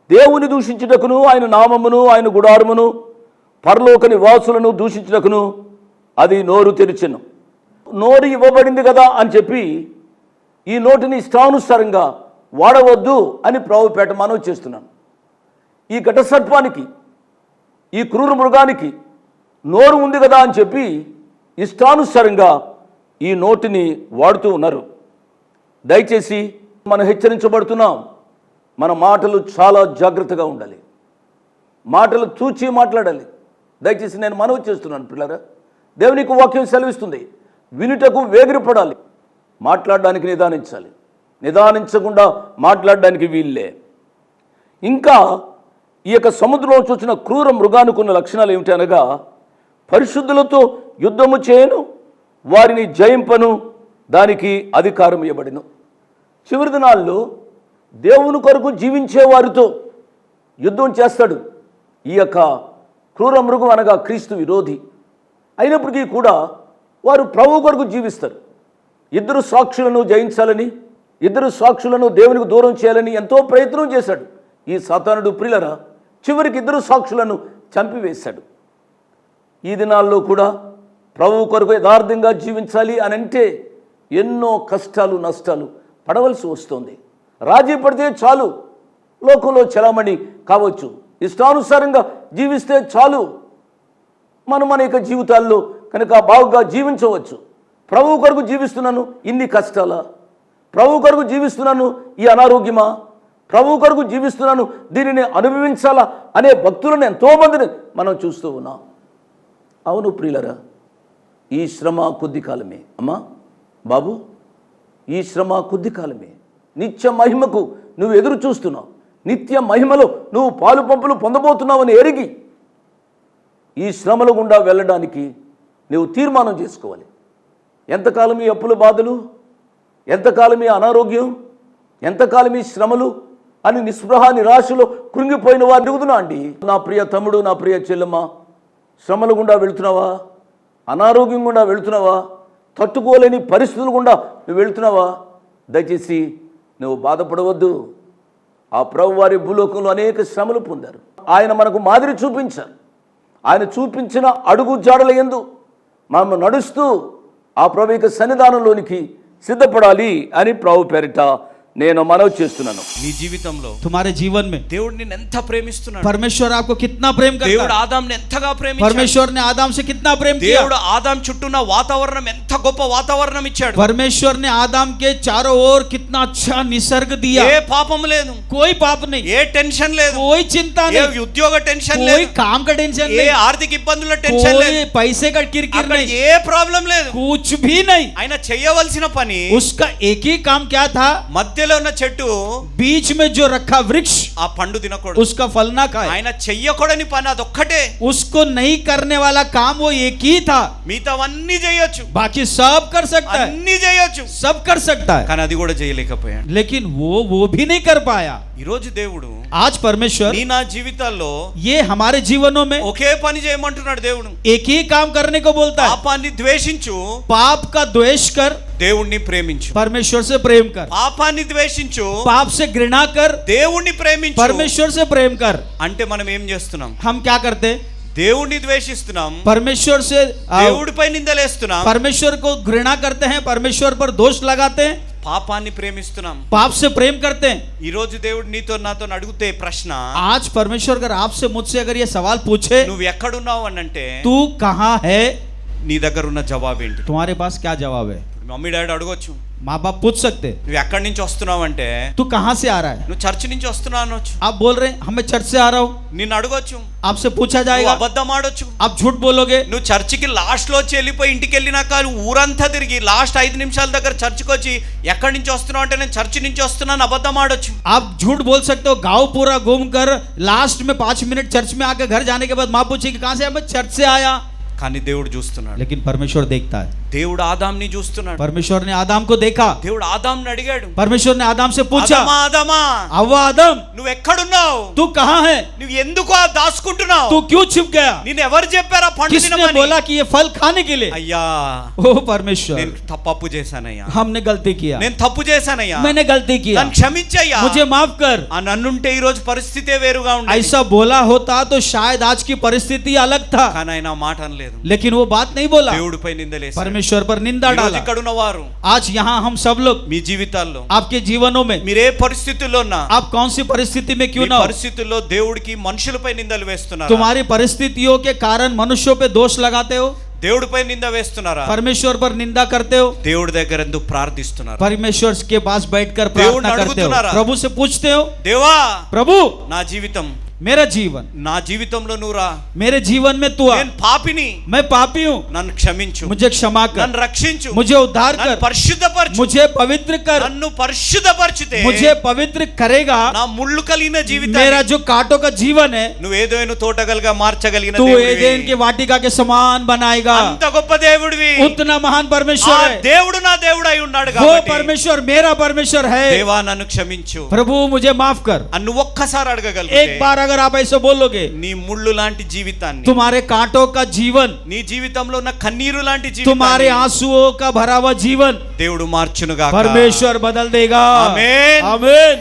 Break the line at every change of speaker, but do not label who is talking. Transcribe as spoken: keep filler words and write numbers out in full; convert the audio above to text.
దేవుని దూషించుటకును, ఆయన నామమును, ఆయన గుడారమును, పరలోక నివాసులను దూషించుటకును అది నోరు తెరిచెను. నోరు ఇవ్వబడింది కదా అని చెప్పి ఈ నోటిని ఇష్టానుసారంగా వాడవద్దు అని ప్రభుపేట మనవి చేస్తున్నాను. ఈ ఘట సర్పానికి, ఈ క్రూర మృగానికి నోరు ఉంది కదా అని చెప్పి ఇష్టానుసారంగా ఈ నోటిని వాడుతూ ఉన్నారు. దయచేసి మనం హెచ్చరించబడుతున్నాం. మన మాటలు చాలా జాగ్రత్తగా ఉండాలి. మాటలు తూచి మాట్లాడాలి. దయచేసి నేను మనవి చేస్తున్నాను పిల్లరా, దేవునికి వాక్యం సెలవిస్తుంది, వినుటకు వేగిరపడాలి, మాట్లాడడానికి నిదానించాలి. నిదానించకుండా మాట్లాడడానికి వీల్లే. ఇంకా ఈ యొక్క సముద్రంలో చూసిన క్రూర మృగానికి ఉన్న లక్షణాలు ఏమిటి అనగా, పరిశుద్ధులతో యుద్ధము చేయను, వారిని జయింపను, దానికి అధికారం ఇవ్వబడిను. చివరి దినాల్లో దేవుని కొరకు జీవించే వారితో యుద్ధం చేస్తాడు ఈ యొక్క క్రూర మృగం అనగా క్రీస్తు విరోధి. అయినప్పటికీ కూడా వారు ప్రభు కొరకు జీవిస్తారు. ఇద్దరు సాక్షులను జయించాలని, ఇద్దరు సాక్షులను దేవునికి దూరం చేయాలని ఎంతో ప్రయత్నం చేశాడు ఈ సాతానుడు. ప్రియులరా, చివరికి ఇద్దరు సాక్షులను చంపివేశాడు. ఈ దినాల్లో కూడా ప్రభు కొరకు యథార్థంగా జీవించాలి అని అంటే ఎన్నో కష్టాలు నష్టాలు పడవలసి వస్తుంది. రాజీ పడితే చాలు, లోకంలో చలామణి కావచ్చు, ఇష్టానుసారంగా జీవిస్తే చాలు, మనం మన యొక్క జీవితాల్లో కనుక బాగుగా జీవించవచ్చు. ప్రభు కొరకు జీవిస్తున్నాను, ఇన్ని కష్టాలా? ప్రభు కొరకు జీవిస్తున్నాను, ఈ అనారోగ్యమా? ప్రభు కొరకు జీవిస్తున్నాను, దీనిని అనుభవించాలా అనే భక్తులను ఎంతోమందిని మనం చూస్తూ ఉన్నాం. అవును ప్రియులరా, ఈ శ్రమ కొద్ది కాలమే. అమ్మా బాబు, ఈ శ్రమ కొద్ది కాలమే. నిత్య మహిమకు నువ్వు ఎదురు చూస్తున్నావు. నిత్య మహిమలో నువ్వు పాలు పంపులు పొందబోతున్నావని ఎరిగి ఈ శ్రమల గుండా వెళ్ళడానికి నువ్వు తీర్మానం చేసుకోవాలి. ఎంతకాలం ఈ అప్పుల బాధలు, ఎంతకాలం ఈ అనారోగ్యం, ఎంతకాలం ఈ శ్రమలు అని నిస్పృహ నిరాశలో కృంగిపోయిన వారు అడుగుతున్నా అండి. నా ప్రియ తమ్ముడు, నా ప్రియ చెల్లెమ్మ, శ్రమల గుండా వెళుతున్నావా? అనారోగ్యం గుండా వెళుతున్నావా? తట్టుకోలేని పరిస్థితులు గుండా నువ్వు వెళుతున్నావా? దయచేసి నువ్వు బాధపడవద్దు. ఆ ప్రభు వారి భూలోకంలో అనేక శ్రమలు పొందారు. ఆయన మనకు మాదిరి చూపించారు. ఆయన చూపించిన అడుగు జాడల యందు మనం నడుస్తూ ఆ ప్రభు యొక్క సన్నిధానంలోనికి సిద్ధపడాలి అని ప్రభు పేరిట నేను మనవి చేస్తున్నాను.
నీ జీవితంలో,
तुम्हारे जीवन में
దేవుడు నిన్ను ఎంత ప్రేమిస్తున్నాడు.
परमेश्वर आपको कितना प्रेम करता है.
దేవుడు ఆదాంని ఎంతగా ప్రేమించాడు.
परमेश्वर ने आदम से कितना प्रेम किया.
దేవుడు ఆదాం చుట్టూన్న వాతావరణం ఎంత గొప్ప వాతావరణం ఇచ్చాడు.
परमेश्वर ने आदम के चारों ओर कितना अच्छा निसर्ग दिया.
ఏ పాపం లేదు,
कोई पाप नहीं,
ఏ టెన్షన్ లేదు,
कोई चिंता
ఏ
नहीं,
ఉద్యోగ టెన్షన్
कोई
లేదు,
काम का टेंशन
ఏ
नहीं,
ఆర్థిక ఇబ్బందుల టెన్షన్ లేదు,
कोई पैसे का किरकिर
అక్కడ
नहीं,
ఏ ప్రాబ్లం లేదు.
कुछ भी नहीं.
ఆయన చేయవలసిన పని,
उसका एक ही काम क्या था,
మధ్యలో ఉన్న చెట్టు
बीच में जो रखा वृक्ष
ఆ పండు తినకూడదు.
उसका फल ना खाए.
ఆయన చెయ్యకూడని పని అదొక్కటే.
उसको नहीं करने वाला काम वो एक ही था.
మిగతావన్నీ చేయొచ్చు,
बाकी सब कर सकता है,
అన్ని చేయొచ్చు,
सब कर सकता है,
కానీ అది కూడా చేయలేకపోయాడు.
लेकिन वो वो भी नहीं कर पाया.
ఈ రోజు దేవుడు
आज परमेश्वर
నీ నా జీవితాల్లో
ये हमारे जीवनों में
ఒకే పని చేయమంటున్నాడు. దేవుడు
एक ही काम करने को बोलता है.
పాపాన్ని ద్వేషించు,
पाप का द्वेष कर,
దేవుణ్ణి ప్రేమించు.
परमेश्वर से प्रेम कर.
పాపాన్ని ద్వేషించు,
पाप से घृणा कर,
దేవుణ్ణి ప్రేమించు.
परमेश्वर से प्रेम कर.
అంటే మనం ఏం చేస్తున్నాం?
हम क्या करते,
దేవుణ్ణి ద్వేషిస్తున్నాం,
परमेश्वर से आ,
దేవుడిపై నిందలేస్తున్నాం,
परमेश्वर को घृणा करते हैं, परमेश्वर पर दोष लगाते हैं,
పాపాన్ని ప్రేమిస్తున్నాం.
पाप से प्रेम करते हैं.
ఈ రోజు దేవుడు నీతో నాతో అడుగుతే ప్రశ్న,
आज परमेश्वर अगर आपसे मुझसे अगर ये सवाल पूछे,
నువ్వు ఎక్కడున్నావు అని అంటే
तू कहाँ है,
నీ దగ్గర ఉన్న జవాబు ఏంటి?
तुम्हारे पास क्या जवाब है.
మమ్మీ డాడీ అడగొచ్చు,
माँ बाप पूछ सकते,
నువ్వు ఎక్కడి నుంచి వస్తున్నావు అంటే
तू कहाँ से आ रहा है.
నువ్వు చర్చి నుంచి వస్తున్నావు అనొచ్చు.
आप बोल रहे हैं हमें चर्च से आ रहा हूँ,
నిన్ను అడగొచ్చు,
आपसे पूछा
నువ్వు
जाएगा,
అబద్ధం ఆడొచ్చు.
आप झूठ बोलोगे.
నువ్వు చర్చికి లాస్ట్ లో వచ్చి వెళ్ళిపోయి ఇంటికి వెళ్ళినాక ఊరంతా తిరిగి లాస్ట్ ఐదు నిమిషాల దగ్గర చర్చికి వచ్చి ఎక్కడి నుంచి వస్తున్నావు అంటే నేను చర్చి నుంచి వస్తున్నాను అబద్ధం ఆడొచ్చు.
आप झूठ बोल सकते हो, गांव पूरा घूम कर लास्ट में पांच मिनट चर्च में आकर घर जाने के बाद माँ पूछेगी कहाँ से, मैं चर्च से आया.
కానీ దేవుడు చూస్తున్నాడు.
लेकिन परमेश्वर देखता है.
దేవుడు ఆదాంని చూస్తున్నాడు.
परमेश्वर ने आदम को देखा,
దేవుడు ఆదాంని అడిగాడు,
परमेश्वर ने आदम से पूछा,
ఆదామా ఆదామా
अव्वा आदम
నువ్వు ఎక్కడున్నావు?
तू कहाँ है?
నువ్వు ఎందుకు ఆ దాచుకుంటున్నావు?
तू क्यों छिप गया?
నిన్ను ఎవరు చెప్పారా పండు
किसने
తినమని?
बोला कि ये फल खाने के लिए?
అయ్యా
ओ परमेश्वर,
నేను తప్పు చేశానయ్యా,
हमने गलती किया,
నేను తప్పు చేశానయ్యా,
मैंने गलती किया,
నన్ను క్షమించయ్యా,
मुझे माफ कर।
ఆ నన్నుంటే ఈ రోజు పరిస్థితే వేరుగా ఉండేది.
ऐसा बोला होता तो शायद आज की परिस्थिति अलग था,
కానీ ఆయన ఆ మాట అనలేదు.
लेकिन वो बात नहीं बोला,
దేవుడిపై నిందలేశాడు.
परमेश्वर पर निंदा
ఈ రోజు
डाला।
ఇక్కడ ఉన్న వారు
आज यहाँ हम सब लोग
మీ జీవితాల్లో
आपके जीवनों में,
మీరు ఏ పరిస్థితుల్లో ఉన్నా
आप कौन सी परिस्थिति में
మీ
क्यों ना हो,
పరిస్థితుల్లో దేవుడికి మనుషులపై నిందలు వేస్తున్నారు.
तुम्हारी परिस्थितियों के कारण मनुष्यों पे दोष लगाते हो,
దేవుడిపై నింద వేస్తున్నారా?
परमेश्वर पर निंदा करते हो,
దేవుడి దగ్గర ఎందుకు ప్రార్థిస్తున్నారు?
परमेश्वर के पास बैठकर
దేవుణ్ణి
प्रार्थना करते हो,
అడుగుతున్నారా?
प्रभु से पूछते हो,
దేవా
प्रभु
నా జీవితం
मेरा जीवन,
నా జీవితంలో నువ్వు రా,
मेरे जीवन में तू आ,
నేను పాపిని,
मैं पापी हूँ,
నన్ను క్షమించు,
मुझे क्षमा कर,
నన్ను రక్షించు,
मुझे उद्धार
నన్ను
कर,
పరిశుద్ధపరచు,
मुझे पवित्र कर,
నన్ను పరిశుద్ధపరిచితే
मुझे पवित्र करेगा।
నా ముళ్ళు కలిగిన
मेरा
జీవితాన్ని
जो कांटों का जीवन है
నువ్వు ఏదైనా తోటగలుగా మార్చగలిగిన
तू
దేవుడివి.
एदेन के वाटिका के समान बनाएगा।
అంత గొప్ప దేవుడివి.
उतना महान
ఆ
परमेश्वर है,
దేవుడు నా దేవుడు అయి ఉన్నాడు
वो
కాబట్టి
परमेश्वर मेरा परमेश्वर है।
దేవా నన్ను క్షమించు
प्रभु मुझे माफ कर।
అని నువ్వు ఒక్కసారి అడగగలిగితే
एक बार अगर आप ऐसे बोलोगे,
నీ ముళ్ళు లాంటి జీవితాన్ని,
तुम्हारे कांटों का जीवन,
నీ జీవితంలో ఉన్న కన్నీరు లాంటి
तुम्हारे
జీవితాన్ని
आंसुओं का भरा हुआ जीवन
దేవుడు మార్చునుగా.
परमेश्वर बदल देगा।
आमीन।
आमीन।